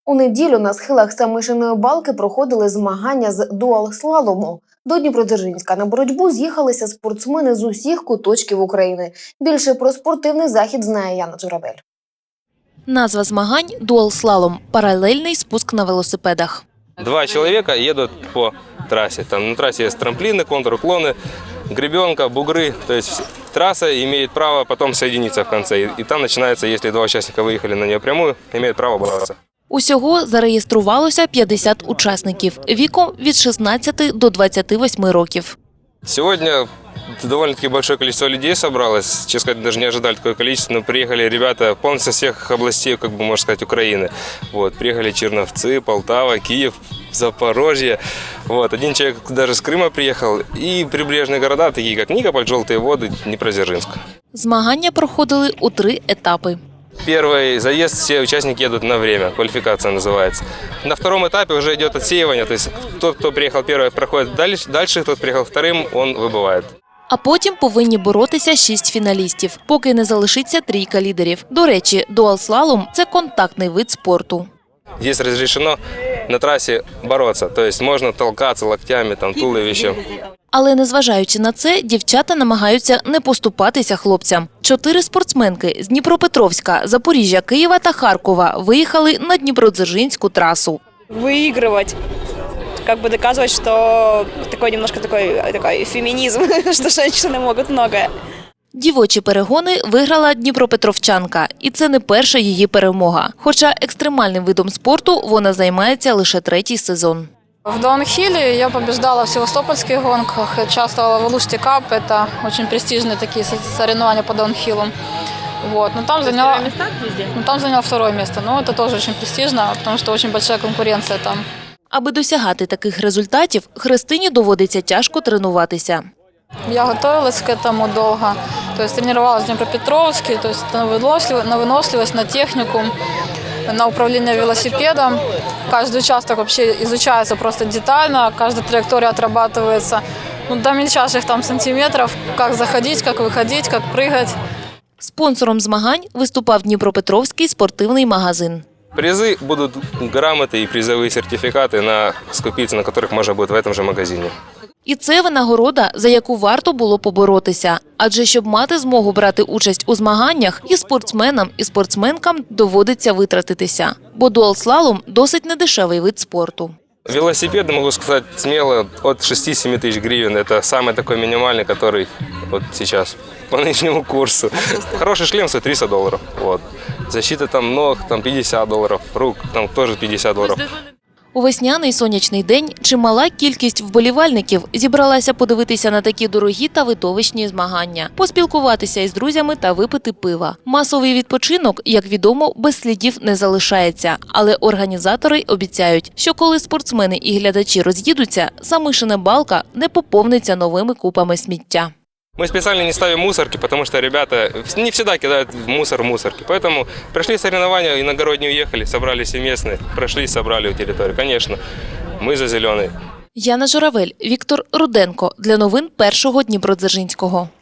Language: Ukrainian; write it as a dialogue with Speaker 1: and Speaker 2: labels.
Speaker 1: У неділю на схилах Самишиної балки проходили змагання з дуал-слалому. До Дніпродзержинська на боротьбу з'їхалися спортсмени з усіх куточків України. Більше про спортивний захід знає Яна Журавель.
Speaker 2: Назва змагань – дуал-слалом – паралельний спуск на велосипедах.
Speaker 3: Два человека едут по трассе. Там на трассе есть трамплины, контруклоны, гребенка, бугры. То есть трасса имеет право потом соединиться в конце. И там начинается, если два участника выехали на нее прямую, имеют право бороться.
Speaker 2: Усього зареєструвалося 50 учасників віком від 16 до 28 років.
Speaker 3: Сегодня довольно-таки большое количество людей собралось. Честно сказать, даже не ожидали такое количество. Но приехали ребята полностью со всех областей, как бы можно сказать, Украины. Вот, приехали Черновцы, Полтава, Киев, Запорожье. Вот, один человек даже с Крыма приехал. И прибрежные города, такие как Никополь, Желтые воды, Дніпродзержинськ.
Speaker 2: Змагання проходили у 3 етапи.
Speaker 3: Первый заезд все участники едут на время, квалификация называется. На втором этапе уже идет отсеивание, то есть тот, кто приехал первый, проходит дальше, тот приехал вторым, он выбывает.
Speaker 2: А потім повинні боротися 6 фіналістів, поки не залишиться трійка лідерів. До речі, дуал-слалом – це контактний вид спорту.
Speaker 3: Здесь разрешено на трассе бороться, то есть можно толкаться локтями, там, туловищем.
Speaker 2: Але незважаючи на це, дівчата намагаються не поступатися хлопцям. 4 спортсменки з Дніпропетровська, Запоріжжя, Києва та Харкова виїхали на Дніпродзержинську трасу.
Speaker 4: Выигрывать, как бы доказывать, что такой немножко такой феминизм, что женщины могут многое.
Speaker 2: Дівочі перегони виграла дніпропетровчанка. І це не перша її перемога. Хоча екстремальним видом спорту вона займається лише 3-й сезон.
Speaker 5: В даунхилле я побеждала в севастопольских гонках, участвовала в Алуште Кап, это очень престижные такие соревнования по даунхиллу. Вот. Но там заняла 2-е место, но это тоже очень престижно, потому что очень большая конкуренция там.
Speaker 2: Аби досягати таких результатів, Христині доводиться тяжко тренуватися.
Speaker 5: Я готовилась к этому долго, то есть тренировалась в Днепропетровске, то есть на выносливость, на технику, на управление велосипедом. Каждый участок вообще изучается просто детально, каждая траектория отрабатывается до мельчайших там сантиметров, как заходить, как выходить, как прыгать.
Speaker 2: Спонсором змагань виступав Дніпропетровський спортивний магазин.
Speaker 3: Призы будут грамоты и призовые сертификаты, скупиться на которых можно будет в этом же магазине.
Speaker 2: І це винагорода, за яку варто було поборотися. Адже щоб мати змогу брати участь у змаганнях, і спортсменам, і спортсменкам доводиться витратитися. Бо дуал-слалом – досить недешевий вид спорту.
Speaker 3: Велосипеды, могу сказать смело, от 6-7 тысяч гривен. Это самый такой минимальный, который вот сейчас по нынешнему курсу. Хороший шлем стоит $300. Вот. Защита там ног, там $50, рук, там тоже $50.
Speaker 2: У весняний сонячний день чимала кількість вболівальників зібралася подивитися на такі дорогі та видовищні змагання, поспілкуватися із друзями та випити пива. Масовий відпочинок, як відомо, без слідів не залишається. Але організатори обіцяють, що коли спортсмени і глядачі роз'їдуться, Самишина балка не поповниться новими купами сміття.
Speaker 3: Мы специально не ставим мусорки, потому что ребята не всегда кидают мусор в мусорки. Поэтому прошли соревнования, иногородние уехали, собрали все местные, прошли, собрали у территории. Конечно, мы за зеленый.
Speaker 2: Яна Журавель, Віктор Руденко. Для новин Першого Дніпродзержинського.